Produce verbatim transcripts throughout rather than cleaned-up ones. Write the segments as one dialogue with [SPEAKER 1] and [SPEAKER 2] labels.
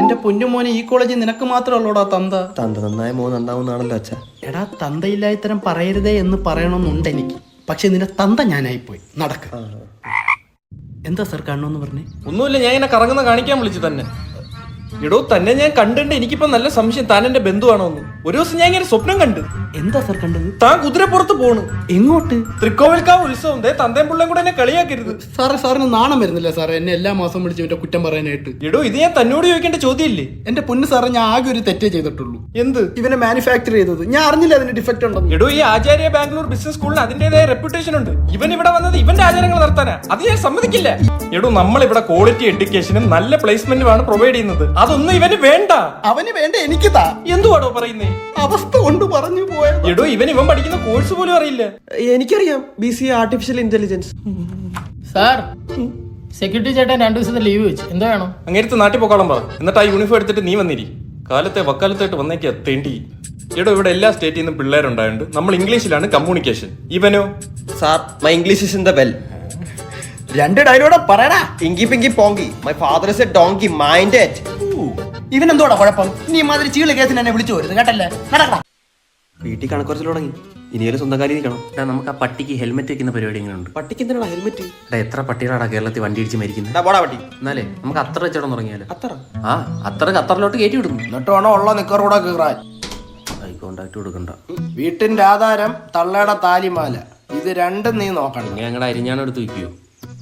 [SPEAKER 1] എന്റെ പൊന്നുമോനെ ഈ കോളേജിൽ നിനക്ക് മാത്രമല്ലോടാ തന്ത.
[SPEAKER 2] തന്ത നന്നായ മോൻ നന്നാവുന്നാണല്ലോ അച്ഛ.
[SPEAKER 1] എടാ തന്തയില്ലാത്തരം പറയരുതേ എന്ന് പറയണമെന്നുണ്ട് എനിക്ക്. പക്ഷെ നിന്റെ തന്ത ഞാനായിപ്പോയി. നടക്ക. എന്താ സർ കാണണമെന്ന് പറഞ്ഞേ?
[SPEAKER 3] ഒന്നുമില്ല, ഞാൻ ഇങ്ങനെ കറങ്ങുന്ന കാണിക്കാൻ വിളിച്ചു തന്നെ. എടോ തന്നെ ഞാൻ കണ്ടിട്ട് എനിക്കിപ്പോ നല്ല സംശയം താൻ എന്റെ ബന്ധുവാണോ എന്ന്. ഒരു ദിവസം ഞാൻ ഇങ്ങനെ സ്വപ്നം കണ്ട്.
[SPEAKER 1] എന്താ സർ കണ്ടത്?
[SPEAKER 3] താൻ കുതിരപ്പുറത്ത് പോണു.
[SPEAKER 1] എങ്ങോട്ട്?
[SPEAKER 3] തൃക്കോവിൽക്കാവ് ഉത്സവം. ദേ തന്തയും പിള്ളയും കൂടെ എന്നെ കളിയാക്കരുത്.
[SPEAKER 1] സാറേ സാറിന് നാണം വരുന്നില്ല സാറേ എന്നെ എല്ലാ മാസം വിളിച്ച് ഇവന്റെ കുറ്റം പറയാനായിട്ട്?
[SPEAKER 3] എടോ ഇത് ഞാൻ തന്നോട് ചോദിക്കേണ്ട ചോദ്യമില്ലേ?
[SPEAKER 1] എന്റെ പൊന്ന് സാറേ ഞാൻ ആകെ ഒരു തെറ്റേ ചെയ്തിട്ടുള്ളൂ.
[SPEAKER 3] എന്ത്?
[SPEAKER 1] ഇവനെ മാനുഫാക്ചർ ചെയ്തത്. ഞാൻ അറിഞ്ഞില്ല അതിന് ഡിഫക്റ്റ് ഉണ്ടെന്ന്.
[SPEAKER 3] എടോ ഈ ആചാര്യ ബാംഗ്ലൂർ ബിസിനസ് സ്കൂളിന് അതിന്റേതായ റെപ്യൂട്ടേഷൻ ഉണ്ട്. ഇവൻ ഇവിടെ വന്നത് ഇവന്റെ ആചാരങ്ങൾ നടത്താനാ. അത് ഞാൻ സമ്മതിക്കില്ല. എടോ നമ്മൾ ഇവിടെ ക്വാളിറ്റി എഡ്യൂക്കേഷനും നല്ല പ്ലേസ്മെന്റുമാണ് പ്രൊവൈഡ് ചെയ്യുന്നത്. അതൊന്നും ഇവന് വേണ്ട.
[SPEAKER 1] അവന് വേണ്ട എനിക്ക് താ.
[SPEAKER 3] എന്തുവാടോ പറയുന്നേ?
[SPEAKER 1] അവസ്ഥ കൊണ്ട് പറഞ്ഞു പോയ.
[SPEAKER 3] എടോ ഇവൻ ഇവൻ പഠിക്കുന്ന കോഴ്സ് പോലും അറിയില്ല.
[SPEAKER 2] എനിക്കറിയാം, B C artificial intelligence.
[SPEAKER 4] Sir, security ചേട്ടൻ രണ്ടു ദിവസത്തെ ലീവ് വെച്ച് എന്താ വേണം?
[SPEAKER 3] അങ്ങേരത്ത് നാട്ടിൽ പോക്കാളം പറ. എന്നിട്ട് ആ യൂണിഫോം എടുത്തിട്ട് നീ വന്നിരി. കാലത്തെ വക്കാലത്തായിട്ട് വന്നേക്കാ തേണ്ടി. എടോ ഇവിടെ എല്ലാ സ്റ്റേറ്റിൽ നിന്നും പിള്ളേരുണ്ടായുണ്ട്. നമ്മൾ ഇംഗ്ലീഷിലാണ് കമ്മ്യൂണിക്കേഷൻ. ഇവനോ?
[SPEAKER 2] Sir, my English is in the well.
[SPEAKER 1] രണ്ട് ഡയലോഗ് പറയടാ.
[SPEAKER 2] Inky pinky ponky, my father is a donkey, mind it.
[SPEAKER 1] ഇവൻ എന്തോടാ കുഴപ്പം? നീ മാതിരി ചീള കേസിന് എന്നെ വിളിച്ചു വരുന്നത് കേട്ടല്ലേ? നടക്കടാ.
[SPEAKER 2] വീട്ടിൽ കണക്കുറച്ചിൽ തുടങ്ങി. ഇനിയൊരു സ്വന്തം കാര്യം നിൽക്കണം.
[SPEAKER 5] നമുക്ക് ആ പട്ടിക്ക് ഹെൽമെറ്റ് വെക്കുന്ന പരിപാടി എങ്ങനെയുണ്ട്?
[SPEAKER 2] പട്ടിക്ക് എന്തിനാ ഹെൽമെറ്റ്?
[SPEAKER 5] എത്ര പട്ടികളാടാ കേരളത്തിൽ വണ്ടി ഇടിച്ച് മരിക്കുന്നത്?
[SPEAKER 2] പോടാ പട്ടി.
[SPEAKER 5] എന്നാലേ നമുക്ക് അത്ര വെച്ചോടം തുടങ്ങിയാലോ?
[SPEAKER 2] അത്ര
[SPEAKER 5] ആ അത്ര ഖത്തറിലോട്ട് കയറ്റി വിടുന്നു.
[SPEAKER 1] എന്നിട്ട് വേണോ ഉള്ള നിക്കറൂടെ കീറാൻ.
[SPEAKER 5] ഐ കോണ്ടാക്ട് കൊടുക്കണ്ട.
[SPEAKER 1] വീട്ടിന്റെ ആധാരം തള്ളയുടെ താലിമാല. ഇത് രണ്ടും നീ നോക്കണം.
[SPEAKER 5] ഇനി ഞങ്ങളുടെ അരിഞ്ഞാണ് എടുത്ത് വയ്ക്കുവോ?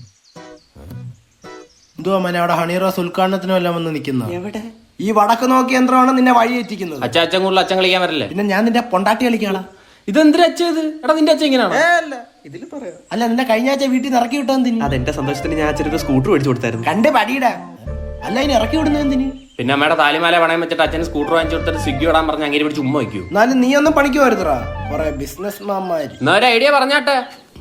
[SPEAKER 1] എന്തുവാ മനെ അവിടെ ഹണി റോസ് ഉദ്ഘാടനത്തിനും എല്ലാം വന്ന് നിൽക്കുന്ന?
[SPEAKER 2] എവിടെ?
[SPEAKER 1] ഈ വടക്ക് നോക്കിയ യന്ത്രമാണ് നിന്നെ വഴി എത്തിക്കുന്നത്.
[SPEAKER 5] അച്ഛൻ അച്ഛൻ കൂടുതൽ അച്ഛൻ കളിക്കാൻ വരല്ലേ?
[SPEAKER 1] പിന്നെ ഞാൻ നിന്റെ പൊണ്ടാട്ടി കളിക്കാളാ.
[SPEAKER 3] ഇതെന്തിനാ അച്ഛത്? എടാ നിന്റെ അച്ഛൻ ഇങ്ങനെയാണോ?
[SPEAKER 2] ഇതിൽ പറയാം.
[SPEAKER 1] അല്ല നിന്നെ കഴിഞ്ഞ ആഴ്ച വീട്ടിൽ നിന്ന് ഇറക്കി വിട്ടെന്തിന്?
[SPEAKER 2] അതെന്റെ സന്തോഷത്തിന് ഞാൻ അച്ഛനൊരു സ്കൂട്ടർ മേടിച്ചു കൊടുത്തായിരുന്നു.
[SPEAKER 1] കണ്ട് പടിയിടാ. അല്ല ഇനി ഇറക്കി വിടുന്നത് എന്തിന്?
[SPEAKER 5] പിന്നെ അമ്മയുടെ താലിമാല പണയം വെച്ചിട്ട് അച്ഛന് സ്കൂട്ടർ വാങ്ങിച്ചു കൊടുത്തിട്ട് സ്വിഗ്ഗി ഇടാൻ പറഞ്ഞ് അങ്ങനെ പിടിച്ച് ഉമ്മ വയ്ക്കൂ.
[SPEAKER 1] എന്നാലും നീ ഒന്നും പണിക്ക് വരുത്തറാ. കൊറേ ബിസിനസ് മാന്മാര്.
[SPEAKER 5] എന്നാ ഒരു ഐഡിയ പറഞ്ഞാട്ടെ.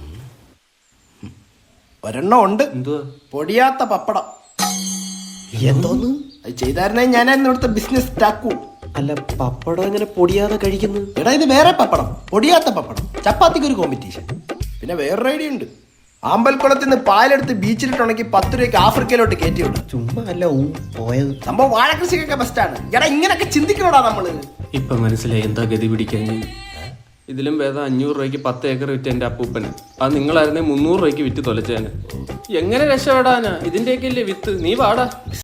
[SPEAKER 1] ഒരെണ്ണം ഉണ്ട്.
[SPEAKER 5] എന്തുവാ?
[SPEAKER 1] പൊടിയാത്ത പപ്പടം.
[SPEAKER 2] എന്തോന്ന്?
[SPEAKER 1] അത് ചെയ്തായിരുന്നെങ്കിൽ ഞാനായിരുന്നു ഇവിടുത്തെ ബിസിനസ് സ്റ്റാക്കൂ.
[SPEAKER 2] അല്ല, പപ്പടം എങ്ങനെ പൊടിയാതെ കഴിക്കുന്നു?
[SPEAKER 1] എടാ ഇത് വേറെ പപ്പടം, പൊടിയാത്ത പപ്പടം. ചപ്പാത്തിക്ക് ഒരു കോമ്പറ്റീഷൻ. പിന്നെ വേറൊരു ഐഡിയ ഉണ്ട്. ആമ്പൽക്കുളത്തിൽ നിന്ന് പാലെടുത്ത് ബീച്ചിലിട്ടുണ്ടെങ്കിൽ പത്ത് രൂപയ്ക്ക് ആഫ്രിക്കയിലോട്ട് കയറ്റി വിടും.
[SPEAKER 2] ചുമ്മാ അല്ല ഊ പോയത്.
[SPEAKER 1] സംഭവം വാഴകൃഷിക്കൊക്കെ ബെസ്റ്റാണ്. എടാ ഇങ്ങനൊക്കെ ചിന്തിക്കണോടാ നമ്മള്.
[SPEAKER 5] ഇപ്പൊ മനസ്സിലായി എന്താ ഗതി പിടിക്കാൻ. ഇതിലും വേദം അഞ്ഞൂറ് രൂപയ്ക്ക് പത്ത് ഏക്കർ വിറ്റ് എന്റെ അപ്പൂപ്പന്. അത് നിങ്ങളായിരുന്നെ മുന്നൂറ് രൂപയ്ക്ക് വിറ്റ് തൊലച്ചേന്. എങ്ങനെ രക്ഷപ്പെടാനാ? ഇതിന്റെയൊക്കെ ഇല്ലേ വിത്ത്? നീ വാടാ.